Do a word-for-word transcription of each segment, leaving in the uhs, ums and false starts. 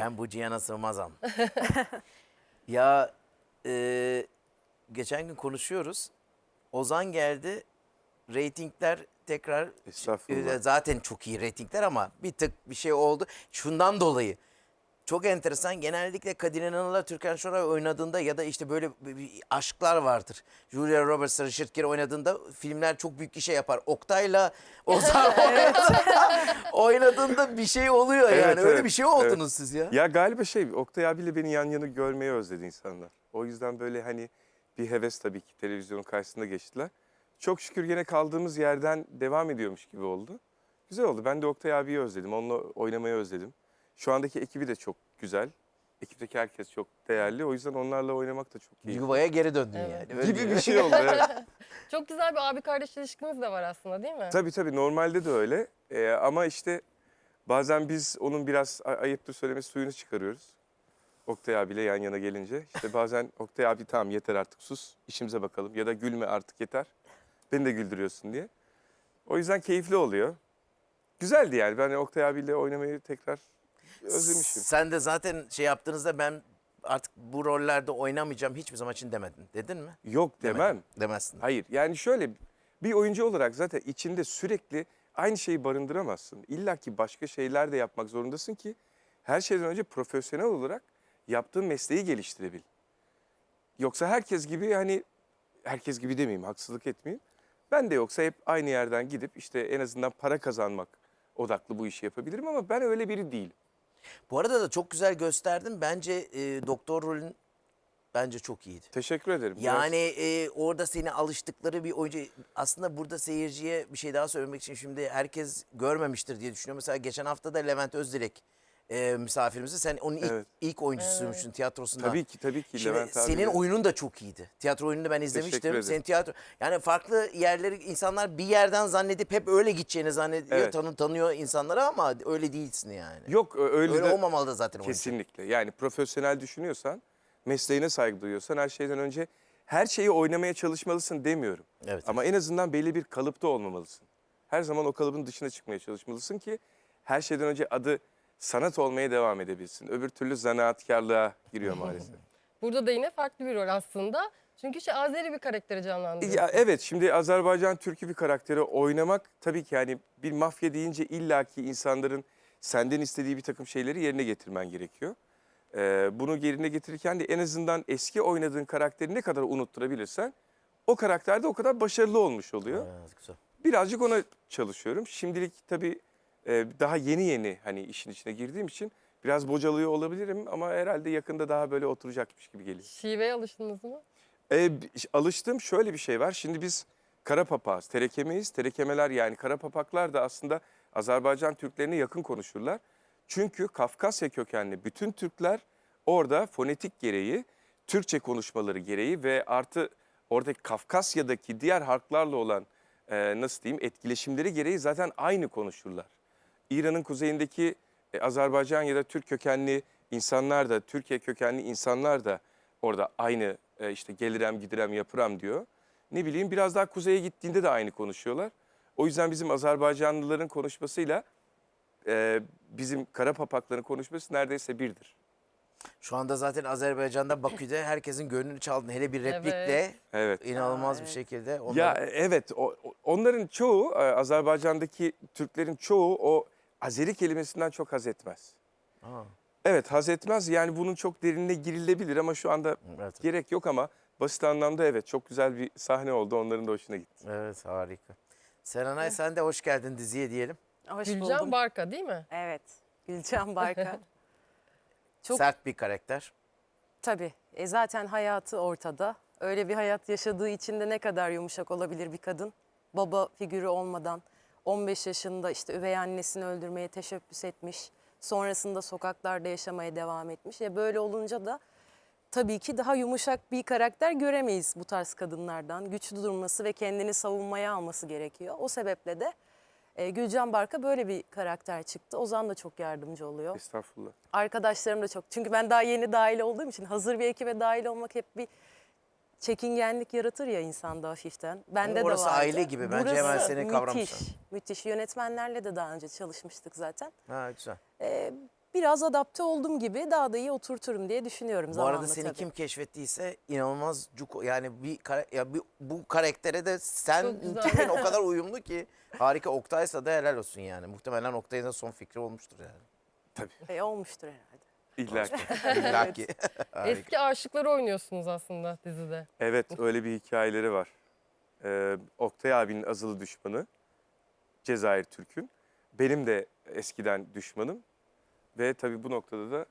Ben bu cihana sığmazam. Ya e, geçen gün konuşuyoruz. Ozan geldi. Reytingler tekrar Estağfurullah. e, zaten çok iyi reytingler ama bir tık bir şey oldu. Şundan dolayı. Çok enteresan. Genellikle Kadir İnanır'la Türkan Şoray oynadığında ya da işte böyle bir- bir aşklar vardır. Julia Roberts, Richard Gere oynadığında filmler çok büyük işe yapar. Oktay'la Ozan oynadığında bir şey oluyor yani. Evet, Öyle evet, bir şey oldunuz evet. siz ya. Ya galiba şey, Oktay abiyle beni yan yana görmeyi özledi insanlar. O yüzden böyle hani bir heves tabii ki televizyonun karşısında geçtiler. Çok şükür gene kaldığımız yerden devam ediyormuş gibi oldu. Güzel oldu. Ben de Oktay abiyi özledim. Onunla oynamayı özledim. Şu andaki ekibi de çok güzel. Ekipteki herkes çok değerli. O yüzden onlarla oynamak da çok iyi. Yuvaya geri döndün Evet. yani. Öyle Gibi bir şey oldu. Evet. Çok güzel bir abi kardeş ilişkiniz de var aslında değil mi? Tabii tabii normalde de öyle. Ee, ama işte bazen biz onun biraz ay- ayıptır söylemesi suyunu çıkarıyoruz. Oktay abiyle yan yana gelince. İşte bazen Oktay abi tamam yeter artık sus işimize bakalım. Ya da gülme artık yeter. Beni de güldürüyorsun diye. O yüzden keyifli oluyor. Güzeldi yani. Ben Oktay abiyle oynamayı tekrar özlemişim. Sen de zaten şey yaptığınızda ben artık bu rollerde oynamayacağım hiçbir zaman için demedin. Dedin mi? Yok demem. Demedin. Demezsin. Hayır yani şöyle bir oyuncu olarak zaten içinde sürekli aynı şeyi barındıramazsın. İlla ki başka şeyler de yapmak zorundasın ki her şeyden önce profesyonel olarak yaptığın mesleği geliştirebil. Yoksa herkes gibi hani herkes gibi demeyeyim haksızlık etmeyeyim. Ben de yoksa hep aynı yerden gidip işte en azından para kazanmak odaklı bu işi yapabilirim ama ben öyle biri değilim. Bu arada da çok güzel gösterdin. Bence e, doktor rolün bence çok iyiydi. Teşekkür ederim. Biraz- Yani e, orada seni alıştıkları bir oyuncu. Aslında burada seyirciye bir şey daha söylemek için şimdi herkes görmemiştir diye düşünüyorum. Mesela geçen hafta da Levent Özdilek e, misafirimizi. Sen onun ilk, Evet. ilk oyuncusuymuşsun tiyatrosunda. Tabii ki tabii ki Şimdi Levent abi. senin oyunun da çok iyiydi. Tiyatro oyununu ben izlemiştim. ederim. Senin tiyatro yani farklı yerleri insanlar bir yerden zannedip hep öyle gideceğini zannediyor. Evet. Tanı, tanıyor insanları ama öyle değilsin yani. Yok öyle, Öyle de olmamalı da zaten oyuncu. kesinlikle. Yani profesyonel düşünüyorsan, mesleğine saygı duyuyorsan her şeyden önce her şeyi oynamaya çalışmalısın demiyorum. Evet, Ama en azından belli bir kalıpta olmamalısın. Her zaman o kalıbın dışına çıkmaya çalışmalısın ki her şeyden önce adı sanat olmaya devam edebilsin. Öbür türlü zanaatkarlığa giriyor maalesef. Burada da yine farklı bir rol aslında. Çünkü şey Azeri bir karakteri canlandırıyorsun. Ya evet şimdi Azerbaycan Türk'ü bir karakteri oynamak tabii ki yani bir mafya deyince illaki insanların senden istediği bir takım şeyleri yerine getirmen gerekiyor. Ee, bunu yerine getirirken de en azından eski oynadığın karakteri ne kadar unutturabilirsen o karakter de o kadar başarılı olmuş oluyor. Evet, güzel. Birazcık ona çalışıyorum. Şimdilik tabii e, daha yeni yeni hani işin içine girdiğim için biraz bocalıyor olabilirim ama herhalde yakında daha böyle oturacakmış gibi geliyor. Şiveye alıştınız mı? E, bi- alıştığım şöyle bir şey var. Şimdi biz kara papağız, terekemeyiz. Terekemeler yani kara papaklar da aslında Azerbaycan Türklerine yakın konuşurlar. Çünkü Kafkasya kökenli bütün Türkler orada fonetik gereği, Türkçe konuşmaları gereği ve artı oradaki Kafkasya'daki diğer halklarla olan e, nasıl diyeyim etkileşimleri gereği zaten aynı konuşurlar. İran'ın kuzeyindeki e, Azerbaycan ya da Türk kökenli insanlar da, Türkiye kökenli insanlar da orada aynı e, işte gelirem gidirem yapıram diyor. Ne bileyim biraz daha kuzeye gittiğinde de aynı konuşuyorlar. O yüzden bizim Azerbaycanlıların konuşmasıyla e, bizim kara papakların konuşması neredeyse birdir. Şu anda zaten Azerbaycan'da Bakü'de herkesin gönlünü çaldın. Hele bir replikle Evet. Evet. inanılmaz Aa, bir evet. şekilde. Ya Onları... evet o, o- onların çoğu e, Azerbaycan'daki Türklerin çoğu o Azeri kelimesinden çok haz etmez. Aa, Evet haz etmez yani bunun çok derinine girilebilir ama şu anda evet, gerek yok ama basit anlamda evet çok güzel bir sahne oldu onların da hoşuna gitti. evet harika. Serenay sen de hoş geldin diziye diyelim. Hoş Gülcan buldum. Barka değil mi? Evet. Gülcan Barka. Çok Sert bir karakter. tabii. E zaten hayatı ortada. Öyle bir hayat yaşadığı için de ne kadar yumuşak olabilir bir kadın. Baba figürü olmadan on beş yaşında işte üvey annesini öldürmeye teşebbüs etmiş. Sonrasında sokaklarda yaşamaya devam etmiş. E böyle olunca da tabii ki daha yumuşak bir karakter göremeyiz bu tarz kadınlardan. Güçlü durması ve kendini savunmaya alması gerekiyor. O sebeple de e, Gülcan Barka böyle bir karakter çıktı. Ozan da çok yardımcı oluyor. Estağfurullah. Arkadaşlarım da çok. Çünkü ben daha yeni dahil olduğum için hazır bir ekibe dahil olmak hep bir çekingenlik yaratır ya insanda hafiften. Bende Ama orası de vardı. aile gibi. Bence hemen seni kavramışlar. Müthiş, müthiş. Yönetmenlerle de daha önce çalışmıştık zaten. Ha güzel. Ee, biraz adapte oldum gibi daha da iyi oturturum diye düşünüyorum Bu zamanla arada seni tabii. kim keşfettiyse inanılmaz cuko yani bir kara- ya bir, bu karaktere de sen Çok güzel. tipin o kadar uyumlu ki harika. Oktay'sa da helal olsun yani. Muhtemelen Oktay'ın da son fikri olmuştur yani. Tabii. E, olmuştur herhalde. İlla ki. İlla ki. Harika. Eski aşıkları oynuyorsunuz aslında dizide. Evet, öyle bir hikayeleri var. Ee, Oktay abinin azılı düşmanı Cezayir Türk'ün. Benim de eskiden düşmanım. Ve tabii bu noktada da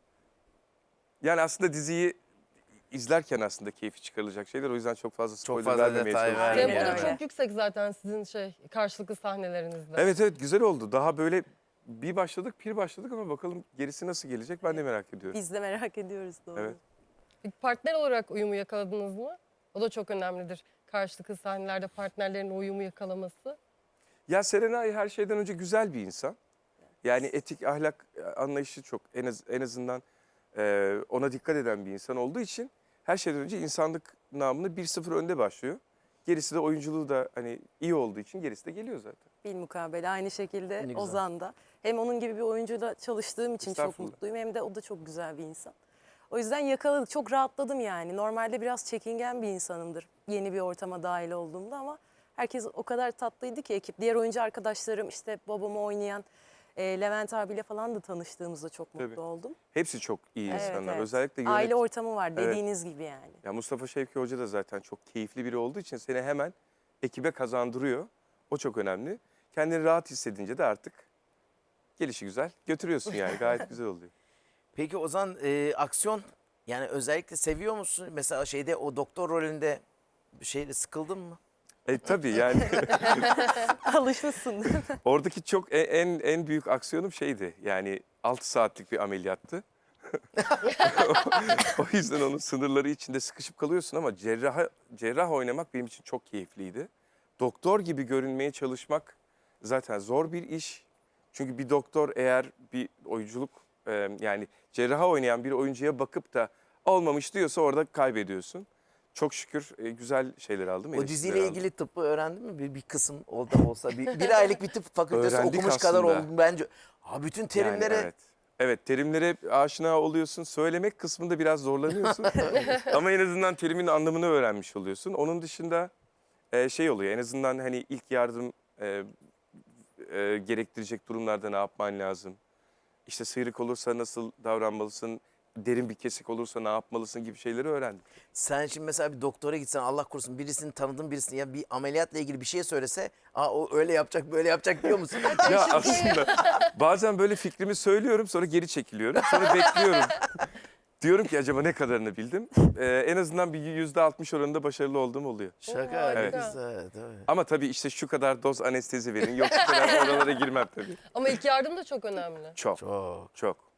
yani aslında diziyi izlerken aslında keyfi çıkarılacak şeyler. O yüzden çok fazla spoiler fazla vermemeye detay çalışıyorum. vermeyelim. Tempo da öyle. çok yüksek zaten sizin şey karşılıklı sahnelerinizde. Evet evet güzel oldu. Daha böyle bir başladık, bir başladık ama bakalım gerisi nasıl gelecek ben de merak ediyorum. Biz de merak ediyoruz doğru. Evet. Peki partner olarak uyumu yakaladınız mı? O da çok önemlidir. Karşılıklı sahnelerde partnerlerin uyumu yakalaması. Ya Serenay her şeyden önce güzel bir insan. Yani etik, ahlak anlayışı çok en, az, en azından e, ona dikkat eden bir insan olduğu için her şeyden önce insanlık namını bir sıfır önde başlıyor. Gerisi de oyunculuğu da hani iyi olduğu için gerisi de geliyor zaten. Bilmukabele aynı şekilde Ne güzel. Ozan da. Hem onun gibi bir oyuncuyla çalıştığım için çok Estağfurullah. mutluyum hem de o da çok güzel bir insan. O yüzden yakaladık. Çok rahatladım yani. Normalde biraz çekingen bir insanımdır yeni bir ortama dahil olduğumda ama herkes o kadar tatlıydı ki ekip. Diğer oyuncu arkadaşlarım işte babamı oynayan e, Levent abiyle falan da tanıştığımızda çok mutlu Tabii. oldum. Hepsi çok iyi Evet, insanlar. evet. Özellikle yönet... Aile ortamı var Evet. dediğiniz gibi yani. Ya Mustafa Şevki Hoca da zaten çok keyifli biri olduğu için seni hemen ekibe kazandırıyor. O çok önemli. Kendini rahat hissedince de artık gelişi güzel götürüyorsun yani gayet güzel oluyor. Peki Ozan e, aksiyon yani özellikle seviyor musun? Mesela şeyde o doktor rolünde bir şeyle sıkıldın mı? E tabii yani Alışmışsın değil mi? oradaki çok e- en en büyük aksiyonum şeydi. Yani altı saatlik bir ameliyattı. O yüzden onun sınırları içinde sıkışıp kalıyorsun ama cerrah cerrah oynamak benim için çok keyifliydi. Doktor gibi görünmeye çalışmak zaten zor bir iş. Çünkü bir doktor eğer bir oyunculuk e, yani cerraha oynayan bir oyuncuya bakıp da olmamış diyorsa orada kaybediyorsun. Çok şükür e, güzel şeyler aldım. O eleştiriler diziyle aldım. ilgili tıbbı öğrendin mi? Bir, bir kısım oldu olsa. Bir, bir aylık bir tıp fakültesi Öğrendik okumuş kadar aslında. oldum bence. Ha bütün Yani terimlere evet. Evet terimlere aşina oluyorsun. Söylemek kısmında biraz zorlanıyorsun. Ama en azından terimin anlamını öğrenmiş oluyorsun. Onun dışında e, şey oluyor en azından hani ilk yardım e, e, gerektirecek durumlarda ne yapman lazım? İşte sıyrık olursa nasıl davranmalısın? Derin bir kesik olursa ne yapmalısın gibi şeyleri öğrendim. sen şimdi mesela bir doktora gitsen Allah korusun birisini tanıdığın birisini ya bir ameliyatla ilgili bir şey söylese aa o öyle yapacak böyle yapacak diyor musun? Ya aslında bazen böyle fikrimi söylüyorum sonra geri çekiliyorum. Sonra bekliyorum. Diyorum ki acaba ne kadarını bildim? Ee, en azından bir yüzde altmış oranında başarılı olduğum oluyor. Şaka ne Evet. güzel. Tabii. Ama tabii işte şu kadar doz anestezi verin. Yok şu kadar oralara girmem tabii. Ama ilk yardım da çok önemli. Çok, Çok. çok.